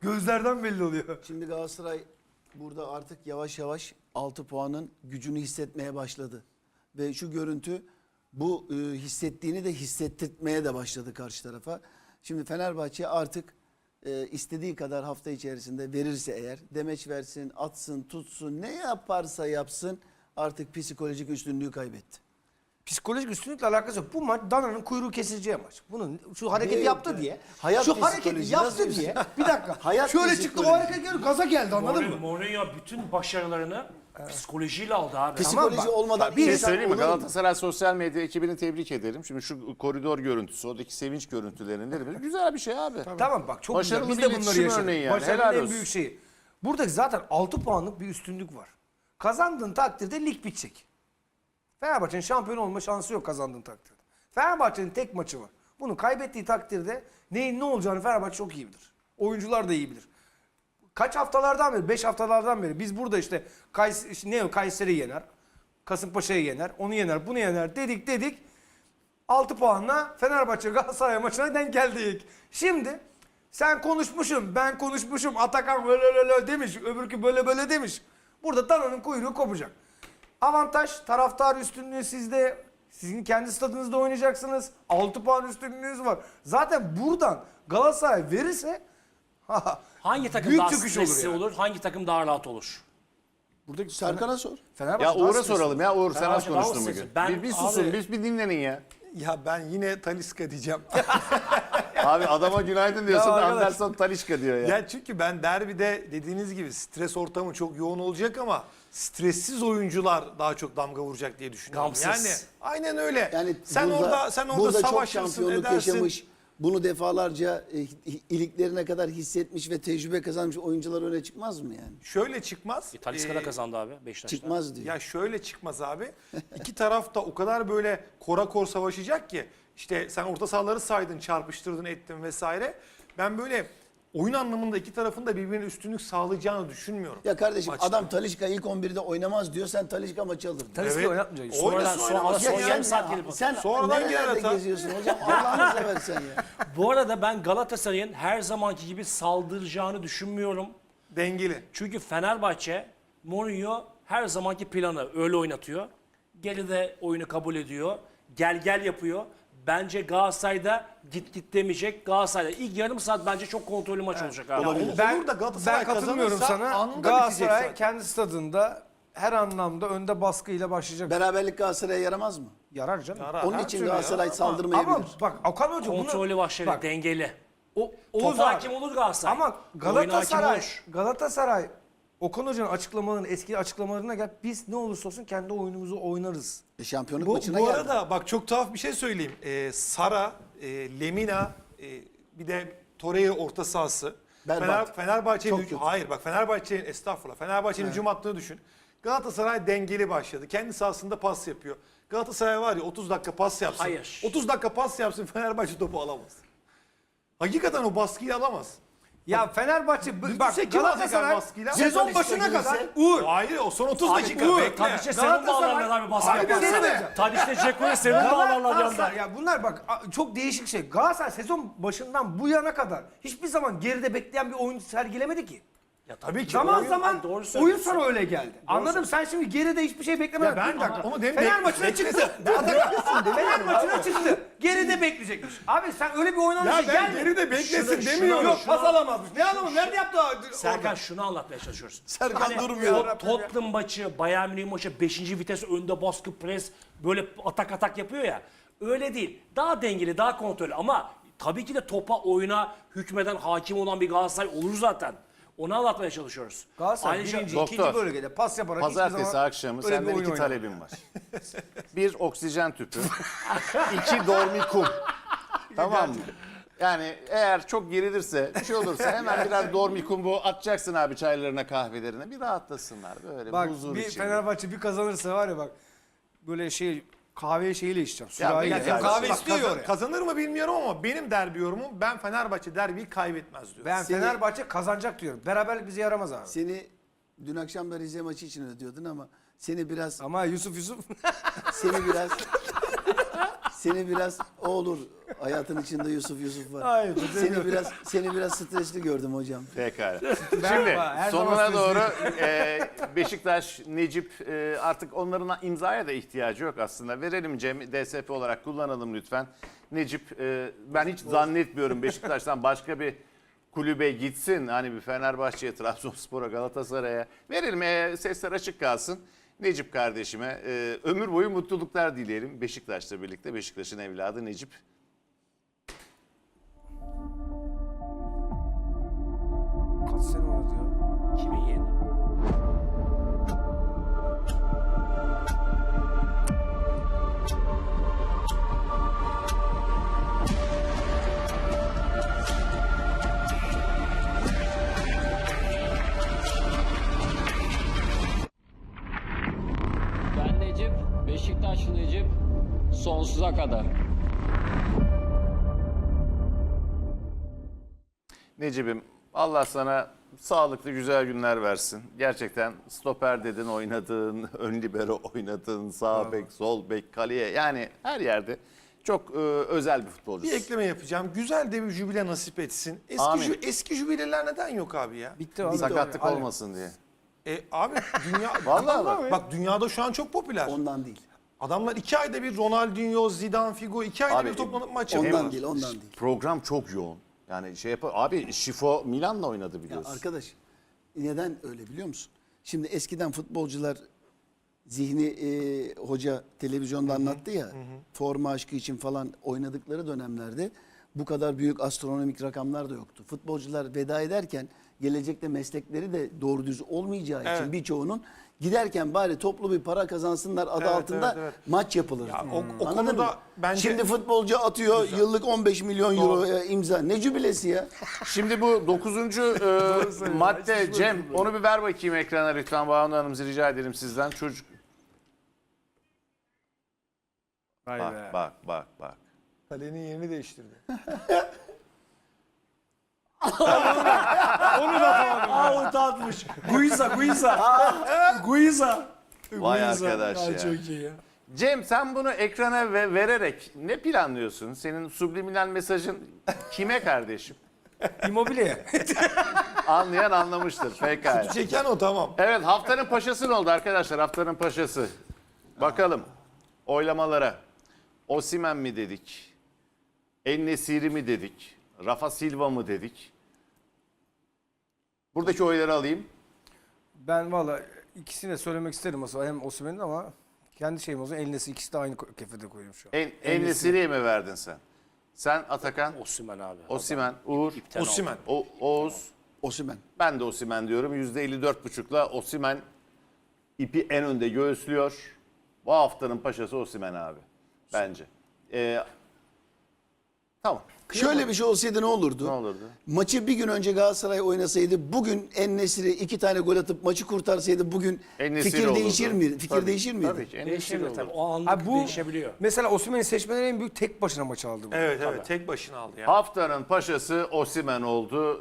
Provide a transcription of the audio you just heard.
Gözlerden belli oluyor. Şimdi Galatasaray burada artık yavaş yavaş 6 puanın gücünü hissetmeye başladı. Ve şu görüntü bu hissettiğini de hissettirmeye de başladı karşı tarafa. Şimdi Fenerbahçe artık istediği kadar hafta içerisinde verirse eğer, demeç versin, atsın, tutsun, ne yaparsa yapsın artık psikolojik üstünlüğü kaybetti. Psikolojik üstünlükle alakası yok. Bu maç dananın kuyruğu kesileceği maç. Bunun şu hareketi Ne yaptı yok diye. yani? Hayat şu hareketi psikoloji, yaptı nasıl diye. Bir dakika. Hayat Şöyle çıktı o psikoloji. hareket geldi, gaza geldi, anladın mı? Mourinho bütün başarılarını psikolojiyle aldı abi. Psikoloji bak, olmadan Bir şey insan söyleyeyim mi? olur mu? Galatasaray sosyal medya ekibini tebrik ederim. Şimdi şu koridor görüntüsü, oradaki sevinç görüntülerinde güzel bir şey abi. Tamam bak, çok Başarılı güzel. Biz bir de bunları iletişim yaşadık. örneği yani. Başarının Helal en olsun. büyük şeyi. Buradaki zaten 6 puanlık bir üstünlük var. Kazandığın takdirde lig bitecek. Fenerbahçe'nin şampiyon olma şansı yok kazandığın takdirde. Fenerbahçe'nin tek maçı var. Bunu kaybettiği takdirde neyin ne olacağını Fenerbahçe çok iyi bilir. Oyuncular da iyi bilir. Kaç haftalardan beri, 5 haftalardan beri biz burada işte Kayseri yener, Kasımpaşa'yı yener, onu yener, bunu yener dedik. 6 puanla Fenerbahçe Galatasaray maçına denk geldik. Şimdi sen konuşmuşum, ben konuşmuşum, Atakan böyle demiş, öbürkü böyle demiş. Burada dananın kuyruğu kopacak. Avantaj, taraftar üstünlüğü sizde. Sizin kendi stadınızda oynayacaksınız. 6 puan üstünlüğünüz var. Zaten buradan Galatasaray verirse Hangi takım büyük daha çöküş stresli yani. olur, hangi takım daha rahat olur? Buradaki Serkan'a sor. Fenerbahçe Ya daha Uğur'a stresli. soralım ya. Uğur sen az Fenerbahçe daha konuştun stresli. bugün. Ben- Bir susun, abi- bir dinlenin ya. Ya ben yine Talisca diyeceğim. Abi adama günaydın diyorsun, Ya arkadaş- Anderson Talisca diyor ya. Ya çünkü ben derbide dediğiniz gibi stres ortamı çok yoğun olacak ama stressiz oyuncular daha çok damga vuracak diye düşünüyorum. Gamsız. Yani aynen öyle. Yani sen orada burada çok savaşırsın, şampiyonluk edersin. yaşamış, bunu defalarca iliklerine kadar hissetmiş ve tecrübe kazanmış oyuncular öne çıkmaz mı yani? Şöyle çıkmaz. Talisca da kazandı abi Beşiktaş'ta. Çıkmaz diyor. Ya şöyle çıkmaz abi. İki taraf da o kadar böyle kora savaşacak ki. İşte sen orta sahaları saydın, çarpıştırdın, ettin vesaire. Ben böyle oyun anlamında iki tarafın da birbirine üstünlük sağlayacağını düşünmüyorum. Ya kardeşim Maçta. adam Talisca ilk 11'de oynamaz diyor, sen Talisca maçı alırdın. Talisca'yı Evet. oynatmayacak. Oynasın, oynamaz. son Ya yarım saat gelip. Sen Sonradan girer nerelerde hata. geziyorsun hocam? Allah'ını seversen ya. Bu arada ben Galatasaray'ın her zamanki gibi saldıracağını düşünmüyorum. Dengeli. Çünkü Fenerbahçe, Mourinho her zamanki planı öyle oynatıyor. Geride oyunu kabul ediyor. Gel yapıyor. Bence Galatasaray'da git demeyecek. Galatasaray'da ilk yarım saat bence çok kontrollü maç olacak abi. Olur da Galatasaray Ben katılmıyorum kazanırsa sana. anında bitecek Galatasaray zaten. kendi stadında her anlamda önde baskıyla başlayacak. Beraberlik Galatasaray'a yaramaz mı? Yarar canım. Yarar. Onun her için türlü Galatasaray yarar. saldırmayabilir. Ama bak Okan Hoca bunu... Kontrollü başlayacak, Bak, dengeli. Oğuz Topa abi. hakim olur Galatasaray. Ama Oyuna hakim Galatasaray, olur. Galatasaray Okan Hoca'nın açıklamalarının, eski açıklamalarına gel. Biz ne olursa olsun kendi oyunumuzu oynarız. Şampiyonluk Bu maçına geldi. arada bak çok tuhaf bir şey söyleyeyim. Sara, Lemina, bir de Torreira orta sahası. Berbat. Fenerbahçe'nin Çok kötü. hayır bak Fenerbahçe'nin estağfurullah. Fenerbahçe'nin hücum hattını düşün. Galatasaray dengeli başladı. Kendi sahasında pas yapıyor. Galatasaray var ya 30 dakika pas yapsın. Hayır. 30 dakika pas yapsın Fenerbahçe topu alamaz. Hakikaten o baskıyı alamaz. Ya Fenerbahçe Düdüse bak kim Galatasaray alacak baskıyla? sezon Talisca başına gelirse- kadar Uğur. Hayır o son 30 dakika Uğur, bekle. Tadiş'e serum Galatasaray- bağlarlar abi baskı Hayır, bir şey yaparsa. demeyeceğim. Tadiş'te Ceko'ya serum bağlarlar yandan. Galatasaray ya bunlar bak çok değişik şey. Galatasaray sezon başından bu yana kadar hiçbir zaman geride bekleyen bir oyun sergilemedi ki. Ya Tabii ki Zaman oyun- zaman doğru oyun söylüyorsun. sana öyle geldi. Anladım, sen şimdi geride hiçbir şey beklemedin. Ya ben Bir dakika. onu demin Fener bek- maçına çıktı. Fener maçına çıktı. Geride bekleyecekmiş. Abi sen öyle bir oynanışa Ya ben gelme. geride beklesin Şunu- demiyorum. Yok pas alamazmış. Ne adamı nerede yaptı Serkan şunu anlatmaya çalışıyoruz. Serkan durmuyor. Tottenham maçı, Bayern Münih maçı 5. vites önde baskı pres böyle atak yapıyor ya. Öyle değil. Daha dengeli, daha kontrollü ama tabii ki de topa, oyuna hükmeden, hakim olan bir Galatasaray olur zaten. Onu anlatmaya çalışıyoruz. Galatasaray Ayrıca- birinci, Doktor, ikinci bölgede pas yaparak hiçbir Pazartesi zaman akşamı öyle bir senden oyun iki oynamadı. talebim var. Bir oksijen tüpü, iki dormikum. Tamam mı? Yani eğer çok gerilirse, bir şey olursa hemen birer dormikum bu atacaksın abi çaylarına, kahvelerine. Bir rahatlasınlar böyle Bak huzur bir içinde. Fenerbahçe bir kazanırsa var ya bak böyle şey kahve şeyiyle içeceğim. Ya Sürahiyle. bir dakika, kahve Bak, istiyor oraya. kazanır mı bilmiyorum ama benim derbi yorumum ben Fenerbahçe derbiyi kaybetmez diyorum. Ben Seni- Fenerbahçe kazanacak diyorum. Beraberlik bize yaramaz abi. Seni dün akşam da Rize maçı için ödüyordun ama seni biraz Ama Yusuf seni biraz Seni biraz o olur. Hayatın içinde Yusuf var. Hayır, Seni biraz stresli gördüm hocam. Pekala. Şimdi her zaman sonuna sözlüyüm. doğru Beşiktaş, Necip artık onların imzaya da ihtiyacı yok aslında. Verelim Cem, DSP olarak kullanalım lütfen. Necip ben hiç zannetmiyorum Beşiktaş'tan başka bir kulübe gitsin. Hani bir Fenerbahçe'ye, Trabzonspor'a, Galatasaray'a verelim. Sesler açık kalsın. Necip kardeşime ömür boyu mutluluklar dileyelim. Beşiktaş'la birlikte, Beşiktaş'ın evladı Necip. Kaç sene oynadı ya? 2007. Ben Necip, Beşiktaşlı Necip, sonsuza kadar. Necip'im Allah sana sağlıklı güzel günler versin. Gerçekten stoper dedin oynadığın, ön libero oynadığın, sağ bek, sol bek, kaleye yani her yerde çok özel bir futbolcusun. Bir ekleme yapacağım. Güzel de bir jübile nasip etsin. Amin. Eski jübileler neden yok abi ya? Bitti abi. Sakatlık Abi, olmasın diye. Abi dünya... Vallahi bak. Bak dünyada şu an çok popüler. Ondan değil. Adamlar 2 ayda bir Ronaldinho, Zidane, Figo 2 ayda Abi, bir toplanıp maç yapıyorlar. Ondan değil, ondan değil. Program çok yoğun. Yani abi Şifo Milan'la oynadı Ya biliyorsun. arkadaş neden öyle biliyor musun? Şimdi eskiden futbolcular Zihni hoca televizyonda anlattı ya forma aşkı için falan oynadıkları dönemlerde bu kadar büyük astronomik rakamlar da yoktu. Futbolcular veda ederken gelecekte meslekleri de doğru düz olmayacağı için Evet. birçoğunun giderken bari toplu bir para kazansınlar adı Evet, altında evet, evet. maç yapılır. Ya o Anladın konuda mı? bence- Şimdi futbolcu atıyor yıllık 15 milyon euro Doğru. imza. Ne cübilesi ya? Şimdi bu 9. madde Cem onu bir ver bakayım ekrana lütfen Banu Hanım rica edelim sizden. Çocuk Vay be. bak. Kalenin yerini değiştirdi. Out atmış. Guiza. Guiza. Vay arkadaş ya. Çok iyi ya. Cem sen bunu ekrana vererek ne planlıyorsun? Senin subliminal mesajın kime kardeşim? Immobile. Anlayan anlamıştır. Pekala. Çeken o tamam. Evet haftanın paşası ne oldu arkadaşlar? Haftanın paşası. Bakalım oylamalara. Osimhen mi dedik? En-Nesyri mi dedik? Rafa Silva mı dedik? Buradaki oyları alayım. Ben valla ikisini de söylemek isterim aslında. Hem Osimhen'in ama kendi şeyim olsun. Elnesi ikisi de aynı kefede koyuyorum şu an. En-Nesyri'ye mi verdin sen? Sen Atakan, Osimhen abi. Osimhen, Uğur, Osimhen. Oğuz. Osimhen. Ben de Osimhen diyorum. %54,5'la Osimhen ipi en önde göğüslüyor. Bu haftanın paşası Osimhen abi. Bence. Tamam. Şöyle bir şey olsaydı ne olurdu? Ne olurdu? Maçı bir gün önce Galatasaray oynasaydı, bugün En-Nesyri 2 tane gol atıp maçı kurtarsaydı bugün En-Nesyri fikir olurdu. değişir miydi? Fikir Tabii, değişir miydi? Tabii ki. En-Nesyri Değişebilir olurdu. tabii. O anlık Abi bu değişebiliyor. mesela Osimhen'in seçmeleri en büyük tek başına maçı aldı bu. Evet tek başına aldı ya. Haftanın paşası Osimhen oldu.